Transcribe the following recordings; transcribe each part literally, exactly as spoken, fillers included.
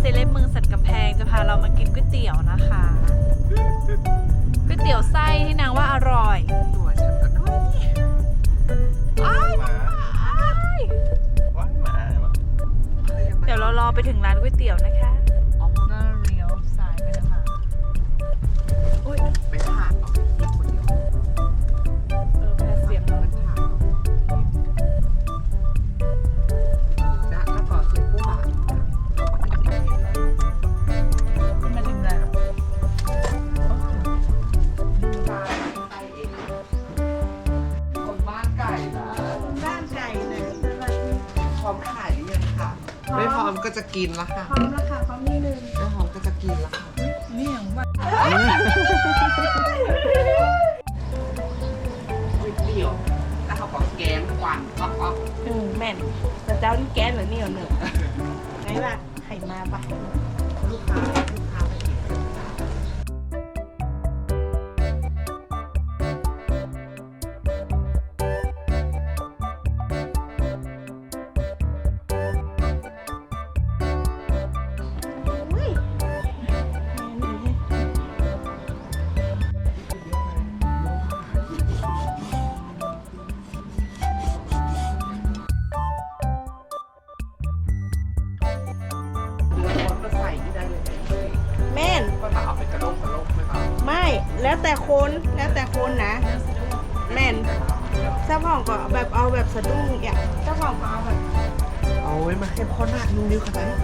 เซเลบเมืองสันกำแพงจะพาเรามากินก๋วยเตี๋ยวนะคะก๋วยเตี๋ยวไส้ที่นางว่าอร่อยตัวฉันก็ด้วยอ้ายมาว้ายมาเดี๋ยวเรารอไปถึงร้านก๋วยเตี๋ยวนะคะก็เลี้ยวซ้ายไปนะคะอุ้ยไปถามเหรอคนเดียวเออแพ้เสียงมันถามจ้าแล้วก็เสียงผู้บ่าวมาถึงแล้วคนบ้านไก่นะบ้านไก่นะพร้อมขายหรือยังคะไม่พร้อมก็จะกินละค่ะพร้อมแล้วค่ะพร้อมนิดนึงไม่พร้อมก็จะกินละค่ะนี่อย่างว่าก๋วยเตี๋ยวแล้วเขาบอกแกงกวันป๊อกป๊อกอืมแม่นแต่เจ้านี่แกงเหรือนี่เหรอหนึ่งไงล่ะไข่มาปะลูกค้าลูกค้าไปกินไม่แล้วแต่คนแล้วแต่คนนะแม่นเจ้าของก็แบบเอาแบบสะดุ้งอย่างเจ้าของก็เอาแบบเอาไว้มาให้พ่อหน้านุ่งนิ้วขนาดนี้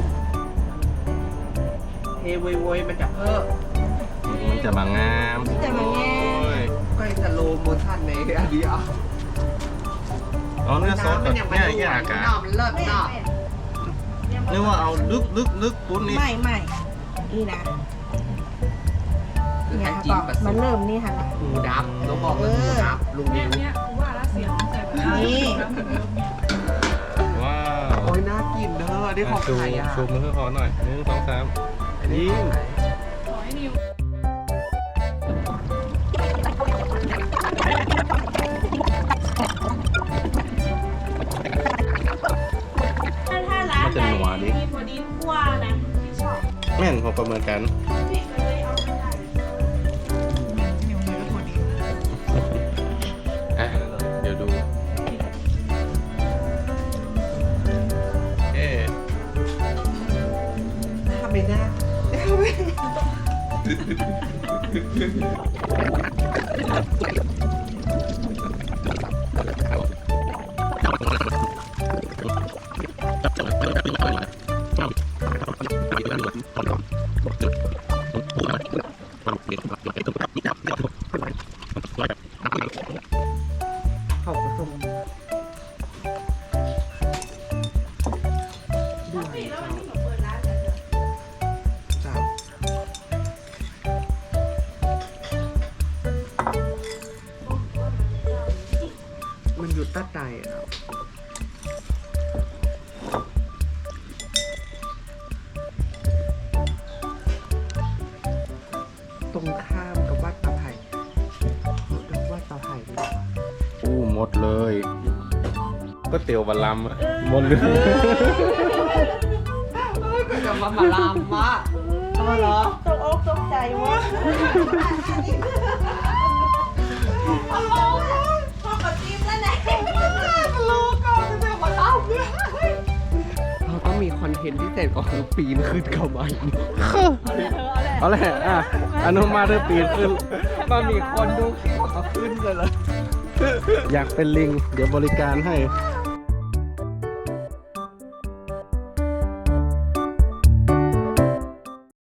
เฮโวยโวยมันจะเพิ่มมันจะมางามจะมาแง่ก็จะโลโมชั่นในอันนี้อ่ะอ๋อเนื้อซอสแบบแง่แง่อากาศมันเลิศเนาะนึกว่าเอาลึกลึกลึกปุ้นนี่ไม่ไม่นี่นะคือเนี่แค่ยจีนค่ะมันเริ่มนี่ค่ะหมูดับต้องบอกว่าหมูดับลุงนิ้วนี่ว้าวโอ้ยน่ากินเด้อได้ของไทยอ่ะชูมือขอหน่อยหนึ่งสองสามยิ้มถ้าร้านใดมีพอดีคั่วนะที่ชอบแม่นพอประเมินกันอ่ะเดี๋ยวดูเอ๊ะทำไม่น่าเขาผสมจ้ามันอยู่ใต้ใจอ่ะตรงข้ามกับวัดตาไผ่วัดตาไผ่ดีกว่าอู้หมดเลยก็เตี๋ยวบะลำอะหมดเลยก็จะมามาลามมะเอาเหรอตกอกตกใจวะพ่อขอจิ้มแล้วนะรู้ก่อนจะมาลามเราต้องมีคอนเทนต์พิเศษก็คือปีนขึ้นเข้ามาอีกเอาแหละอ่ะอนุมาเริ่มปีนขึ้นมามีคนดูคลิปเขาขึ้นเลยเหรออยากเป็นลิง เดี๋ยวบริการให้เ